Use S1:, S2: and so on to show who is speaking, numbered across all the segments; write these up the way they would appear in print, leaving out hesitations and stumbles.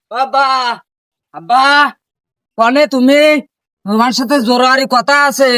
S1: বাবা, আব্বা, কনে তুমি? তোমার সাথে জোরারি কথা আছে।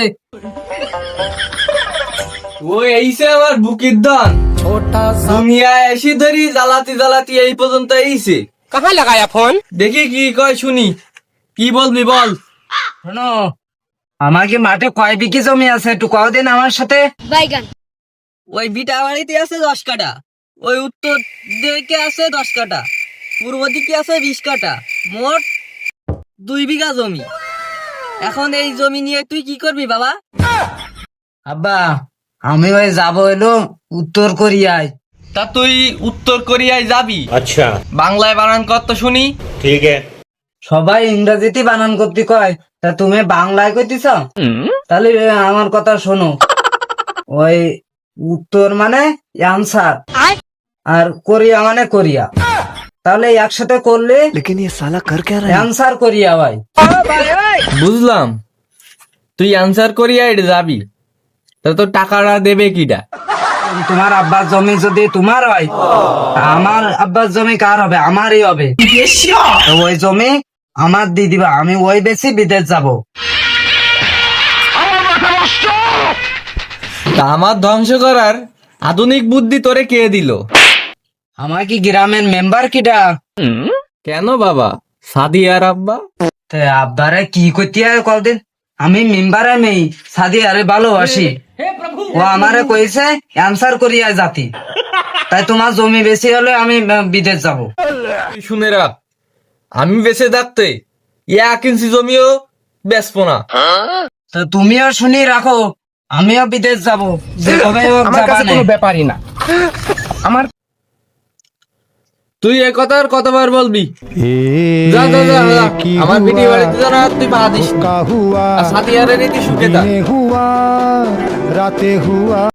S2: ও এইছে আমার বুকির দন দুনিয়া এসি ধরি জ্বালাতি জ্বালাতি এই পর্যন্ত এইছে।
S3: कहाँ लगाया फोन?
S2: দেখি কি কয় শুনি, কি বলবি বল।
S1: শোনো, আমার কি মাঠে কয় বিঘি জমি আছে একটু কও দিন আমার সাথে।
S4: বাইগান
S2: ওই বিটা বাড়িতে আছে 10 কাঠা, ওই উত্তর দিকে আছে 10 কাঠা, পূর্ব দিকে আছে 20 কাঠা, মোট 2 বিঘা জমি। এখন এই জমি নিয়ে তুই কি করবি বাবা?
S1: আব্বা, আমি ওই যাবো এলো উত্তর কোরিয়ায়।
S2: তা তুই উত্তর কোরিয়ায় যাবি?
S5: अच्छा
S2: বাংলায় বানান কর তো শুনি।
S5: ठीक है।
S1: সবাই ইংরেজিতে বানান করতে কয়, তা তুমি বাংলায় কইতেছ? তাহলে আমার কথা শোনো, ওই উত্তর মানে অ্যান্সার আর কোরিয়া মানে কোরিয়া, তাহলে একসাথে করলে অ্যান্সার কোরিয়া ভাই।
S2: বুঝলাম, তুই আনসার কোরিয়ায় যাবি, তা তোর টাকাটা দেবে কিটা?
S1: তোমার আব্বার জমি যদি তোমার হয়, তা আমার আব্বার জমি কার হবে? আমারই হবে। তো ওই জমি আমার দিয়ে দিবা, আমি ওই বেশি বিদেশ যাব।
S2: তা আমার ধ্বংস করার আধুনিক বুদ্ধি তোরে কে দিল?
S1: আমার কি গ্রামের মেম্বার কিটা?
S2: কেন বাবা, সাদিয়ার আব্বা?
S1: তে আব্বারে কি করতে হয় কদিন? আমি মেম্বারে নেই, সাদি আরে ভালোবাসি। ও আমারে কইছে অ্যান্সার করিয়া জাতি, তাই তোমার জমি বেশি হলে আমি বিদেশ যাব।
S2: তুই শুনে রাখ, আমি বেঁচে থাকতে 1 ইঞ্চি জমিও বেচবো না।
S1: তো তুমিও শুনি রাখো, আমিও বিদেশ যাব, যেভাবে হোক
S3: আমার
S1: যাবা
S3: কাছে
S1: নে।
S3: কোনো ব্যাপারই না। আমার
S2: তুই এ কথা আর কতবার বলবি? যা যা যা যা, আমার পিঠে বাড়িতে জানা তুই পা দিস।
S6: हुआ
S2: আর সাদিয়ারের রীতি সুখে থাক।
S6: हुआ राते हुआ